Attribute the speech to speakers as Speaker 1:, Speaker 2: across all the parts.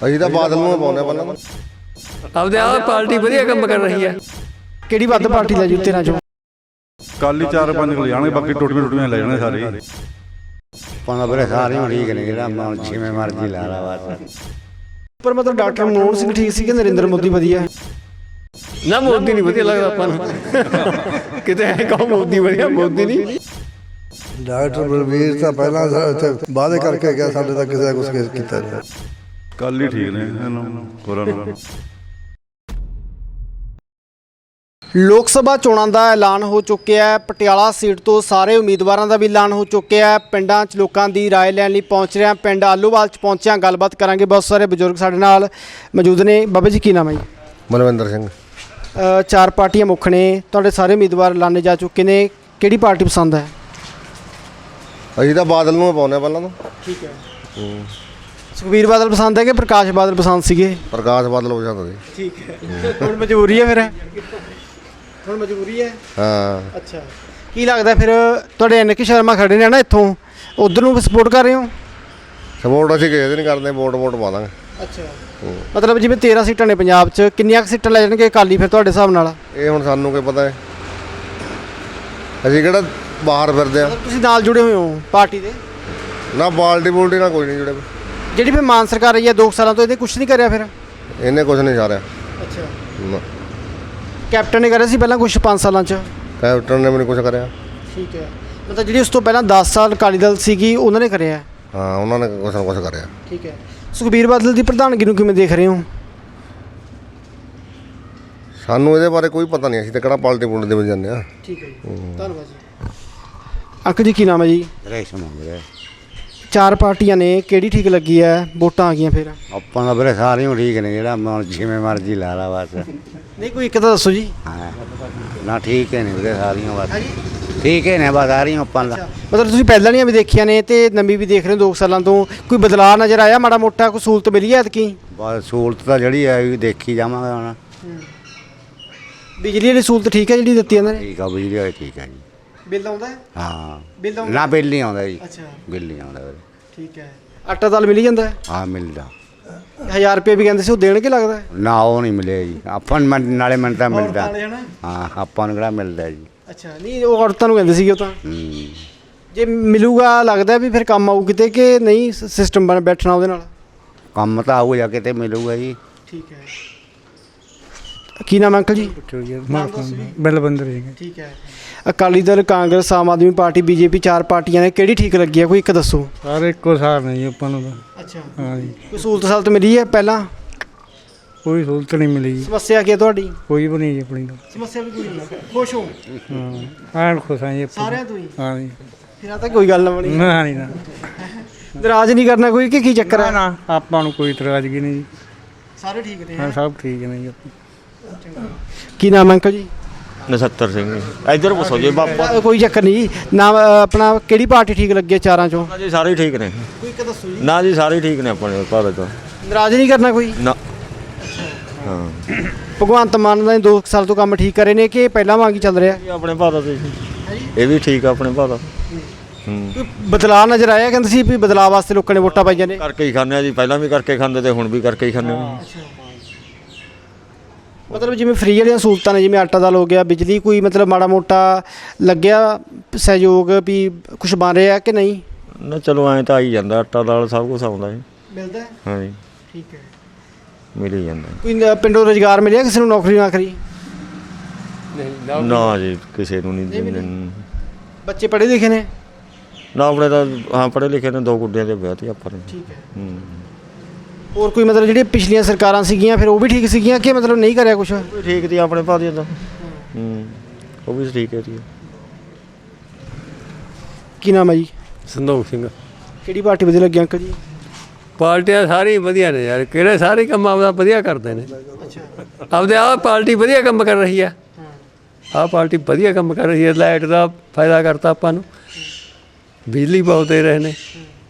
Speaker 1: ਅਸੀਂ ਤਾਂ ਬਾਦਲ ਨੂੰ ਪਾਉਂਦੇ ਪਹਿਲਾਂ
Speaker 2: ਆਪਦੇ ਆਪ ਪਾਰਟੀ ਵਧੀਆ ਕੰਮ ਕਰ ਰਹੀ ਹੈ।
Speaker 3: ਕਿਹੜੀ ਵੱਧ ਪਾਰਟੀ ਲੈ ਜੂ ਤੇਰਾਂ ਚੋਂ?
Speaker 4: ਕੱਲ ਹੀ 4-5 ਲੈ ਜਾਣਗੇ, ਬਾਕੀ ਟੁੱਟੀਆਂ ਲੈ ਜਾਣਗੇ ਸਾਰੇ।
Speaker 1: ਪਾਉਂਦਾ ਵੀਰੇ ਸਾਰੇ ਠੀਕ ਨੇ, ਜਿਹੜਾ ਜਿਵੇਂ ਮਰਜ਼ੀ ਲਾ ਲਾ ਬਸ।
Speaker 3: ਪਰ ਮਤਲਬ ਡਾਕਟਰ ਮਨਮੋਹਨ ਸਿੰਘ ਠੀਕ ਸੀ ਕਿ ਨਰਿੰਦਰ ਮੋਦੀ ਵਧੀਆ?
Speaker 2: ਨਾ ਮੋਦੀ ਨਹੀਂ ਵਧੀਆ ਲੱਗਦਾ ਆਪਾਂ ਨੂੰ। ਕਿਤੇ ਐ ਕਹੋ ਮੋਦੀ ਵਧੀਆ, ਮੋਦੀ ਨਹੀਂ।
Speaker 5: ਡਾਕਟਰ ਬਲਵੀਰ ਤਾਂ ਪਹਿਲਾਂ ਵਾਅਦੇ ਕਰਕੇ ਗਿਆ, ਸਾਡੇ ਤਾਂ ਕਿਸੇ ਦਾ ਕੁਛ ਕੀਤਾ ਨਹੀਂ।
Speaker 4: ਕੱਲ ਹੀ ਠੀਕ ਨੇ ਇਹਨੂੰ ਹੋਰਾਂ ਨੂੰ।
Speaker 3: ਲੋਕ ਸਭਾ ਚੋਣਾਂ ਦਾ ਐਲਾਨ ਹੋ ਚੁੱਕਿਆ ਹੈ। ਪਟਿਆਲਾ ਸੀਟ ਤੋਂ ਸਾਰੇ ਉਮੀਦਵਾਰਾਂ ਦਾ ਵੀ ਐਲਾਨ ਹੋ ਚੁੱਕਿਆ ਹੈ। ਪਿੰਡਾਂ 'ਚ ਲੋਕਾਂ ਦੀ ਰਾਏ ਲੈਣ ਲਈ ਪਹੁੰਚ ਰਹੇ ਹਾਂ। ਪਿੰਡ ਆਲੋਵਾਲ 'ਚ ਪਹੁੰਚਿਆ, ਗੱਲਬਾਤ ਕਰਾਂਗੇ। ਬਹੁਤ ਸਾਰੇ ਬਜ਼ੁਰਗ ਸਾਡੇ ਨਾਲ ਮੌਜੂਦ ਨੇ। ਬਾਬਾ ਜੀ ਕੀ ਨਾਮ ਹੈ ਜੀ?
Speaker 1: ਮਨਵਿੰਦਰ ਸਿੰਘ।
Speaker 3: ਚਾਰ ਪਾਰਟੀਆਂ ਮੁੱਖ ਨੇ, ਤੁਹਾਡੇ ਸਾਰੇ ਉਮੀਦਵਾਰ ਐਲਾਨੇ ਜਾ ਚੁੱਕੇ ਨੇ। ਕਿਹੜੀ ਪਾਰਟੀ ਪਸੰਦ ਹੈ?
Speaker 1: ਅਸੀਂ ਤਾਂ ਬਾਦਲ ਨੂੰ ਪਾਉਂਦੇ ਪਹਿਲਾਂ ਤਾਂ।
Speaker 3: ਠੀਕ ਹੈ। ਸੁਖਬੀਰ ਬਾਦਲ ਪਸੰਦ ਹੈ ਕਿ ਪ੍ਰਕਾਸ਼ ਬਾਦਲ ਪਸੰਦ ਸੀਗੇ?
Speaker 1: ਪ੍ਰਕਾਸ਼ ਬਾਦਲ ਪਸੰਦ ਸੀ।
Speaker 3: ਠੀਕ ਹੈ। ਹੁਣ ਮਜਬੂਰੀ ਹੈ ਫਿਰ? ਹੁਣ ਮਜਬੂਰੀ ਹੈ।
Speaker 1: ਹਾਂ।
Speaker 3: ਅੱਛਾ, ਕੀ ਲੱਗਦਾ ਫਿਰ ਤੁਹਾਡੇ ਐਨਕੇ ਸ਼ਰਮਾ ਖੜੇ ਨੇ ਨਾ ਇੱਥੋਂ, ਉਧਰ ਨੂੰ ਸਪੋਰਟ ਕਰ ਰਹੇ ਹੋ?
Speaker 1: ਸਪੋਰਟ ਅਸੀਂ ਕਿਸੇ ਦੀ ਨਹੀਂ ਕਰਦੇ, ਵੋਟ ਪਾ ਦਾਂਗੇ।
Speaker 3: ਅੱਛਾ, ਮਤਲਬ ਜਿਵੇਂ 13 ਸੀਟਾਂ ਨੇ ਪੰਜਾਬ 'ਚ, ਕਿੰਨੀਆਂ ਕੁ ਸੀਟਾਂ ਲੈ ਜਾਣਗੇ ਅਕਾਲੀ ਫਿਰ ਤੁਹਾਡੇ ਹਿਸਾਬ ਨਾਲ?
Speaker 1: ਇਹ ਹੁਣ ਸਾਨੂੰ ਕੀ ਪਤਾ ਹੈ, ਅਸੀਂ ਕਿਹੜਾ ਬਾਹਰ ਫਿਰਦੇ ਆ।
Speaker 3: ਤੁਸੀਂ ਨਾਲ ਜੁੜੇ ਹੋਏ ਹੋ ਪਾਰਟੀ ਦੇ?
Speaker 1: ਨਾ ਬਾਲਟੀ ਬੁਲਟੀ ਨਾਲ ਕੋਈ ਨਹੀਂ ਜੁੜੇ।
Speaker 3: ਜਿਹੜੀ ਫਿਰ ਮਾਨ ਸਰਕਾਰ ਰਹੀ ਹੈ 2 ਸਾਲਾਂ ਤੋਂ, ਇਹਨੇ ਕੁਝ ਨਹੀਂ ਕਰਿਆ ਫਿਰ?
Speaker 1: ਇਹਨੇ ਕੁਝ ਨਹੀਂ ਸਾਰਿਆ।
Speaker 3: ਅੱਛਾ,
Speaker 1: ਨਾ
Speaker 3: ਕੈਪਟਨ ਨੇ ਕਰਿਆ ਸੀ ਪਹਿਲਾਂ ਕੁਝ 5 ਸਾਲਾਂ 'ਚ?
Speaker 1: ਕੈਪਟਨ ਨੇ ਵੀ ਨਹੀਂ ਕੁਝ ਕਰਿਆ।
Speaker 3: ਠੀਕ ਹੈ, ਮਤਲਬ ਜਿਹੜੀ ਉਸ ਤੋਂ ਪਹਿਲਾਂ 10 ਸਾਲ ਅਕਾਲੀ ਦਲ ਸੀਗੀ ਉਹਨਾਂ ਨੇ ਕਰਿਆ?
Speaker 1: ਹਾਂ, ਉਹਨਾਂ ਨੇ ਕੁਛ ਨਾ ਕੁਛ ਕਰਿਆ।
Speaker 3: ਠੀਕ ਹੈ। ਸੁਖਬੀਰ ਬਾਦਲ ਦੀ ਪ੍ਰਧਾਨਗੀ ਨੂੰ ਕਿਵੇਂ ਦੇਖ ਰਹੇ ਹੋ?
Speaker 1: ਸਾਨੂੰ ਇਹਦੇ ਬਾਰੇ ਕੋਈ ਪਤਾ ਨਹੀਂ, ਅਸੀਂ ਤਾਂ ਕਿਹੜਾ ਪਾਲਟੀ ਪੁਲਟੀ ਦੇ ਵਿੱਚ ਜਾਂਦੇ ਆ।
Speaker 3: ਠੀਕ ਹੈ ਜੀ, ਧੰਨਵਾਦ ਜੀ। ਅੰਕਲ ਜੀ ਕੀ ਨਾਮ ਹੈ ਜੀ?
Speaker 1: ਰੇਸ਼ਮ ਵੀਰੇ।
Speaker 3: ਚਾਰ ਪਾਰਟੀਆਂ ਨੇ, ਕਿਹੜੀ ਠੀਕ ਲੱਗੀ ਹੈ? ਵੋਟਾਂ ਆ ਗਈਆਂ ਫਿਰ?
Speaker 1: ਆਪਾਂ ਦਾ ਵੀਰੇ ਸਾਰੀਆਂ ਠੀਕ ਨੇ, ਜਿਹੜਾ ਜਿਵੇਂ ਮਰਜ਼ੀ ਲਾ ਲਾ ਬਸ।
Speaker 3: ਨਹੀਂ ਕੋਈ ਇੱਕ ਤਾਂ ਦੱਸੋ ਜੀ।
Speaker 1: ਹਾਂ ਨਾ ਠੀਕ ਹੈ ਨੇ ਵੀਰੇ ਸਾਰੀਆਂ ਬਸ। ਠੀਕ ਹੈ ਨੇ ਬਸ ਸਾਰੀਆਂ ਆਪਾਂ ਦਾ।
Speaker 3: ਮਤਲਬ ਤੁਸੀਂ ਪਹਿਲਾਂ ਦੀਆਂ ਵੀ ਦੇਖੀਆਂ ਨੇ ਤੇ ਨਵੀਂ ਵੀ ਦੇਖ ਰਹੇ ਹੋ 2 ਸਾਲਾਂ ਤੋਂ, ਕੋਈ ਬਦਲਾਅ ਨਜ਼ਰ ਆਇਆ ਮਾੜਾ ਮੋਟਾ? ਕੋਈ ਸਹੂਲਤ ਮਿਲੀ ਹੈ ਐਤਕੀ?
Speaker 1: ਬਸ ਸਹੂਲਤ ਤਾਂ ਜਿਹੜੀ ਹੈ ਵੀ ਦੇਖੀ ਜਾਵਾਂਗੇ ਹੁਣ।
Speaker 3: ਬਿਜਲੀ ਦੀ ਸਹੂਲਤ ਠੀਕ ਹੈ ਜਿਹੜੀ ਦਿੱਤੀ ਇਹਨਾਂ ਨੇ?
Speaker 1: ਠੀਕ ਆ, ਬਿਜਲੀ ਵਾਲੀ ਠੀਕ ਹੈ ਜੀ।
Speaker 3: ਬਿੱਲ ਆਉਂਦਾ ਹੈ?
Speaker 1: ਹਾਂ,
Speaker 3: ਬਿੱਲ ਆਉਂਦਾ?
Speaker 1: ਨਾ ਬਿੱਲ ਨਹੀਂ ਆਉਂਦਾ ਜੀ।
Speaker 3: ਅੱਛਾ,
Speaker 1: ਬਿੱਲ ਨਹੀਂ ਆਉਂਦਾ ਵੀਰੇ।
Speaker 3: ਠੀਕ ਹੈ। ਆਟਾ ਦਾਲ ਮਿਲੀ ਜਾਂਦਾ ਹੈ?
Speaker 1: ਹਾਂ ਮਿਲਦਾ।
Speaker 3: 1000 ਰੁਪਏ ਵੀ ਕਹਿੰਦੇ ਸੀ, ਉਹ ਦੇਣਗੇ ਲੱਗਦਾ?
Speaker 1: ਨਾ ਉਹ ਨਹੀਂ ਮਿਲਿਆ ਜੀ ਆਪਾਂ ਨੂੰ, ਨਾਲੇ ਮਿੰਟ ਤਾਂ ਮਿਲਦਾ। ਹਾਂ, ਆਪਾਂ ਨੂੰ ਕਿਹੜਾ ਮਿਲਦਾ ਜੀ।
Speaker 3: ਅੱਛਾ, ਨਹੀਂ ਉਹ ਔਰਤਾਂ ਨੂੰ ਕਹਿੰਦੇ ਸੀਗੇ ਉਹ ਤਾਂ।
Speaker 1: ਹੂੰ,
Speaker 3: ਜੇ ਮਿਲੂਗਾ ਲੱਗਦਾ ਵੀ ਫਿਰ ਕੰਮ ਆਊ ਕਿਤੇ ਕਿ ਨਹੀਂ? ਸਿਸਟਮ ਬਣ ਬੈਠਣਾ ਉਹਦੇ ਨਾਲ?
Speaker 1: ਕੰਮ ਤਾਂ ਆਊ ਜਾ ਕੇ ਤੇ ਮਿਲੂਗਾ ਜੀ।
Speaker 3: ਠੀਕ ਹੈ। ਕੀ ਨਾਮ ਅੰਕਲ ਜੀ?
Speaker 5: ਬਲਵੰਦਰ ਸਿੰਘ।
Speaker 3: ਠੀਕ ਹੈ। ਅਕਾਲੀ ਦਲ, ਕਾਂਗਰਸ, ਆਮ ਆਦਮੀ ਪਾਰਟੀ, ਬੀਜੇਪੀ, ਚਾਰ ਪਾਰਟੀਆਂ ਨੇ, ਕਿਹੜੀ ਠੀਕ ਲੱਗੀ ਹੈ? ਕੋਈ ਇੱਕ ਦੱਸੋ।
Speaker 5: ਸਾਰੇ ਇੱਕੋ ਸਾਰ ਨੇ ਜੀ ਆਪਾਂ ਨੂੰ ਤਾਂ।
Speaker 3: ਅੱਛਾ,
Speaker 5: ਹਾਂ ਜੀ,
Speaker 3: ਕੋਈ ਸਹੂਲਤ ਸਾਲਤ ਮਿਲੀ ਹੈ ਪਹਿਲਾਂ?
Speaker 5: ਕੋਈ ਸਹੂਲਤ ਨਹੀਂ ਮਿਲੀ ਜੀ,
Speaker 3: ਸਮੱਸਿਆ ਕੀ ਹੈ ਤੁਹਾਡੀ?
Speaker 5: ਕੋਈ ਵੀ ਨਹੀਂ ਜੀ ਆਪਣੀ ਤਾਂ।
Speaker 3: ਸਮੱਸਿਆ ਵੀ ਕੋਈ ਨਹੀਂ, ਖੁਸ਼ ਹੋ
Speaker 5: ਹਾਂ ਐਨ ਖੁਸ਼ ਹਾਂ ਜੀ ਆਪਾਂ।
Speaker 3: ਸਾਰਿਆਂ ਤੋਂ ਹੀ?
Speaker 5: ਹਾਂ ਜੀ।
Speaker 3: ਫਿਰ ਆ ਤਾਂ ਕੋਈ ਗੱਲ ਨਾ ਬਣੀ।
Speaker 5: ਨਾ ਨਹੀਂ ਨਾ
Speaker 3: ਨਾਰਾਜ਼ ਨਹੀਂ ਕਰਨਾ ਕੋਈ ਕਿ ਕੀ ਚੱਕਰ ਹੈ?
Speaker 5: ਨਾ ਆਪਾਂ ਨੂੰ ਕੋਈ ਇਤਰਾਜ਼ਗੀ ਨਹੀਂ ਜੀ।
Speaker 3: ਸਾਰੇ ਠੀਕ ਨੇ?
Speaker 5: ਹਾਂ ਸਭ ਠੀਕ ਨੇ ਜੀ ਆਪਾਂ।
Speaker 3: ਕੀ ਨਾਮ ਹੈ ਅੰਕਲ ਜੀ?
Speaker 6: ਨਛੱਤਰ ਸਿੰਘ। ਇੱਧਰ ਪੁੱਛੋ ਜੀ ਬਾਬਾ
Speaker 3: ਕੋਈ ਚੱਕਰ ਨਹੀਂ। ਨਾਮ ਆਪਣਾ ਕਿਹੜੀ ਪਾਰਟੀ ਠੀਕ ਲੱਗੀ ਹੈ ਚਾਰਾਂ ਚੋਂ?
Speaker 6: ਜੀ, ਸਾਰੇ ਹੀ ਠੀਕ ਨੇ।
Speaker 3: ਕੋਈ ਇੱਕ ਦੱਸੋ ਜੀ।
Speaker 6: ਨਾ ਜੀ, ਸਾਰੇ ਹੀ ਠੀਕ ਨੇ ਆਪਣੇ ਭਾਰਤ ਤੋਂ।
Speaker 3: ਨਾਰਾਜ਼ ਨਹੀਂ ਕਰਨਾ ਕੋਈ?
Speaker 6: ਨਾ। ਹਾਂ,
Speaker 3: ਭਗਵੰਤ ਮਾਨ ਨੇ 2 ਸਾਲ ਤੋਂ ਕੰਮ ਠੀਕ ਕਰੇ ਨੇ ਕਿ ਪਹਿਲਾਂ ਵਾਂਗ ਹੀ ਚੱਲ ਰਿਹਾ?
Speaker 6: ਇਹ ਆਪਣੇ ਭਾਰਤ ਦੇ ਇਹ ਵੀ ਠੀਕ ਆ ਆਪਣੇ ਭਾਰਤ।
Speaker 3: ਕੋਈ ਬਦਲਾਅ ਨਜ਼ਰ ਆਇਆ? ਕਹਿੰਦੇ ਸੀ ਵੀ ਬਦਲਾਅ ਵਾਸਤੇ ਲੋਕਾਂ ਨੇ ਵੋਟਾਂ ਪਾਈਆਂ ਨੇ।
Speaker 6: ਕਰਕੇ ਹੀ ਖਾਂਦੇ ਆ ਜੀ, ਪਹਿਲਾਂ ਵੀ ਕਰਕੇ ਖਾਂਦੇ ਤੇ ਹੁਣ ਵੀ ਕਰਕੇ ਹੀ ਖਾਂਦੇ ਆ।
Speaker 3: ਮਤਲਬ ਜਿਵੇਂ ਫ੍ਰੀ ਵਾਲੀਆਂ ਸਹੂਲਤਾਂ ਨੇ, ਜਿਵੇਂ ਆਟਾ ਦਾਲ ਹੋ ਗਿਆ, ਬਿਜਲੀ, ਕੋਈ ਮਤਲਬ ਮਾੜਾ ਮੋਟਾ ਲੱਗਿਆ ਸਹਿਯੋਗ ਵੀ ਕੁਝ ਬਣ ਰਿਹਾ ਕਿ ਨਹੀਂ?
Speaker 6: ਨਾ ਚਲੋ ਐਂ ਤਾਂ ਆਈ ਜਾਂਦਾ, ਆਟਾ ਦਾਲ ਸਭ ਕੁਝ ਆਉਂਦਾ ਹੈ।
Speaker 3: ਮਿਲਦਾ?
Speaker 6: ਹਾਂ ਜੀ,
Speaker 3: ਠੀਕ ਹੈ।
Speaker 6: ਮਿਲ ਹੀ ਜਾਂਦਾ।
Speaker 3: ਕੋਈ ਪਿੰਡੋਂ ਰੁਜ਼ਗਾਰ ਮਿਲਿਆ ਕਿਸੇ ਨੂੰ? ਨੌਕਰੀ ਨਾਕਰੀ?
Speaker 6: ਨਾ ਜੀ, ਕਿਸੇ ਨੂੰ ਨਹੀਂ।
Speaker 3: ਬੱਚੇ ਪੜ੍ਹੇ ਲਿਖੇ ਨੇ?
Speaker 6: ਨਾ ਆਪਣੇ ਤਾਂ ਹਾਂ ਪੜ੍ਹੇ ਲਿਖੇ ਨੇ, 2 ਗੁੱਡਿਆਂ ਦੇ ਵਿਆਹ ਤੇ ਆਪਾਂ ਨੇ।
Speaker 3: ਠੀਕ ਹੈ। ਹੋਰ ਕੋਈ ਮਤਲਬ ਜਿਹੜੀਆਂ ਪਿਛਲੀਆਂ ਸਰਕਾਰਾਂ ਸੀਗੀਆਂ ਫਿਰ ਉਹ ਵੀ ਠੀਕ ਸੀਗੀਆਂ ਕਿ ਮਤਲਬ ਨਹੀਂ ਕਰਿਆ ਕੁਛ?
Speaker 6: ਠੀਕ ਸੀ ਆਪਣੇ ਭਾਰਤ ਦਾ। ਉਹ ਵੀ ਠੀਕ ਹੈ ਜੀ।
Speaker 3: ਕੀ ਨਾਮ ਹੈ ਜੀ?
Speaker 2: ਸੰਦੋਖ ਸਿੰਘ।
Speaker 3: ਕਿਹੜੀ ਪਾਰਟੀ ਵਧੀਆ ਲੱਗੀ ਅੰਕਲ ਜੀ?
Speaker 2: ਪਾਰਟੀਆਂ ਸਾਰੀ ਵਧੀਆ ਨੇ ਯਾਰ, ਕਿਹੜੇ ਸਾਰੇ ਕੰਮ ਆਪਦਾ ਵਧੀਆ ਕਰਦੇ ਨੇ।
Speaker 3: ਅੱਛਾ,
Speaker 2: ਆਪਦੇ ਆਪ ਪਾਰਟੀ ਵਧੀਆ ਕੰਮ ਕਰ ਰਹੀ ਹੈ। ਆਹ ਪਾਰਟੀ ਵਧੀਆ ਕੰਮ ਕਰ ਰਹੀ ਹੈ। ਲਾਈਟ ਦਾ ਫਾਇਦਾ ਕਰਤਾ ਆਪਾਂ ਨੂੰ, ਬਿਜਲੀ ਬਹੁਤ ਦੇ ਰਹੇ ਨੇ।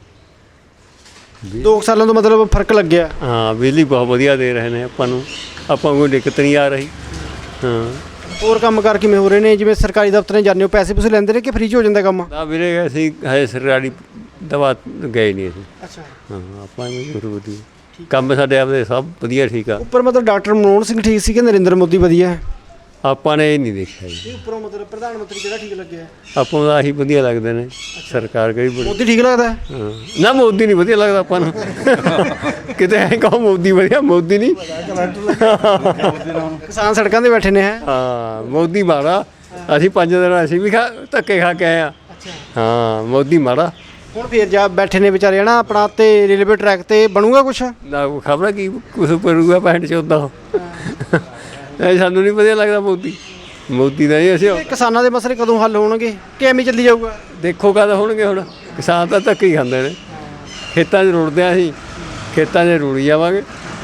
Speaker 3: 2 ਸਾਲਾਂ ਤੋਂ ਮਤਲਬ ਫਰਕ ਲੱਗਿਆ?
Speaker 2: ਹਾਂ, ਬਿਜਲੀ ਬਹੁਤ ਵਧੀਆ ਦੇ ਰਹੇ ਨੇ ਆਪਾਂ ਨੂੰ, ਆਪਾਂ ਨੂੰ ਕੋਈ ਦਿੱਕਤ ਨਹੀਂ ਆ ਰਹੀ। ਹਾਂ,
Speaker 3: ਹੋਰ ਕੰਮ ਕਰ ਕਿਵੇਂ ਹੋ ਰਹੇ ਨੇ? ਜਿਵੇਂ ਸਰਕਾਰੀ ਦਫ਼ਤਰਾਂ ਜਾਂਦੇ ਹੋ, ਪੈਸੇ ਪੂਸੇ ਲੈਂਦੇ ਨੇ ਕਿ ਫ੍ਰੀ 'ਚ ਹੋ ਜਾਂਦਾ ਕੰਮ?
Speaker 2: ਨਾ ਵੀਰੇ, ਅਸੀਂ ਹਜੇ ਸਰਕਾਰੀ ਦਵਾ ਗਏ ਨਹੀਂ ਅਸੀਂ।
Speaker 3: ਅੱਛਾ,
Speaker 2: ਹਾਂ, ਆਪਾਂ ਨੂੰ ਜ਼ਰੂਰੀ ਕੰਮ ਸਾਡੇ ਆਪਦੇ ਸਭ ਵਧੀਆ ਠੀਕ ਆ।
Speaker 3: ਉੱਪਰ ਮਤਲਬ ਡਾਕਟਰ ਮਨਮੋਹਨ ਸਿੰਘ ਠੀਕ ਸੀ ਕਿ ਨਰਿੰਦਰ ਮੋਦੀ ਵਧੀਆ ਹੈ?
Speaker 2: ਆਪਾਂ ਨੇ ਇਹ ਨਹੀਂ ਦੇਖਿਆ ਜੀ,
Speaker 3: ਉੱਪਰੋਂ ਮਤਲਬ ਪ੍ਰਧਾਨ ਮੰਤਰੀ ਕਿਹੜਾ ਠੀਕ ਲੱਗਿਆ?
Speaker 2: ਆਪਾਂ ਨੂੰ ਆਹੀ ਵਧੀਆ ਲੱਗਦੇ ਨੇ। ਸਰਕਾਰ ਕਿਹੜੀ ਬੜੀ
Speaker 3: ਮੋਦੀ ਠੀਕ ਲੱਗਦਾ ਹੈ?
Speaker 2: ਹਾਂ। ਨਾ ਮੋਦੀ ਨਹੀਂ ਵਧੀਆ ਲੱਗਦਾ ਆਪਾਂ ਨੂੰ ਕਿਤੇ ਐਂ ਕਹੋ ਮੋਦੀ ਵਧੀਆ, ਮੋਦੀ ਨਹੀਂ।
Speaker 3: ਕਿਸਾਨ ਸੜਕਾਂ 'ਤੇ ਬੈਠੇ ਨੇ ਹੈ।
Speaker 2: ਹਾਂ ਮੋਦੀ ਮਾੜਾ, ਅਸੀਂ 5 ਦਿਨ ਅਸੀਂ ਵੀ ਧੱਕੇ ਖਾ ਕੇ ਆਏ ਆ। ਹਾਂ ਮੋਦੀ ਮਾੜਾ।
Speaker 3: ਹੁਣ ਫੇਰ ਜਾ ਬੈਠੇ ਨੇ ਵਿਚਾਰੇ ਹਨਾ ਆਪਣਾ ਤੇ ਰੇਲਵੇ ਟਰੈਕ ਤੇ ਬਣੂਗਾ ਕੁਛ?
Speaker 2: ਨਾ ਖਬਰ ਕੀ ਕੁਛ ਕਰੂਗਾ 65 ਇਹ ਸਾਨੂੰ ਨਹੀਂ ਵਧੀਆ ਲੱਗਦਾ ਮੋਦੀ ਦਾ। ਇਹ ਅਸੀਂ
Speaker 3: ਕਿਸਾਨਾਂ ਦੇ ਮਸਲੇ ਕਦੋਂ ਹੱਲ ਹੋਣਗੇ ਕਿ ਐਵੇਂ ਚੱਲੀ ਜਾਊਗਾ?
Speaker 2: ਦੇਖੋ ਕਦ ਹੋਣਗੇ। ਹੁਣ ਕਿਸਾਨ ਤਾਂ ਧੱਕੇ ਹੀ ਖਾਂਦੇ ਨੇ, ਖੇਤਾਂ 'ਚ ਰੁੜਦੇ ਆ, ਅਸੀਂ ਖੇਤਾਂ 'ਚ ਰੁੜੀ ਜਾਵਾਂਗੇ।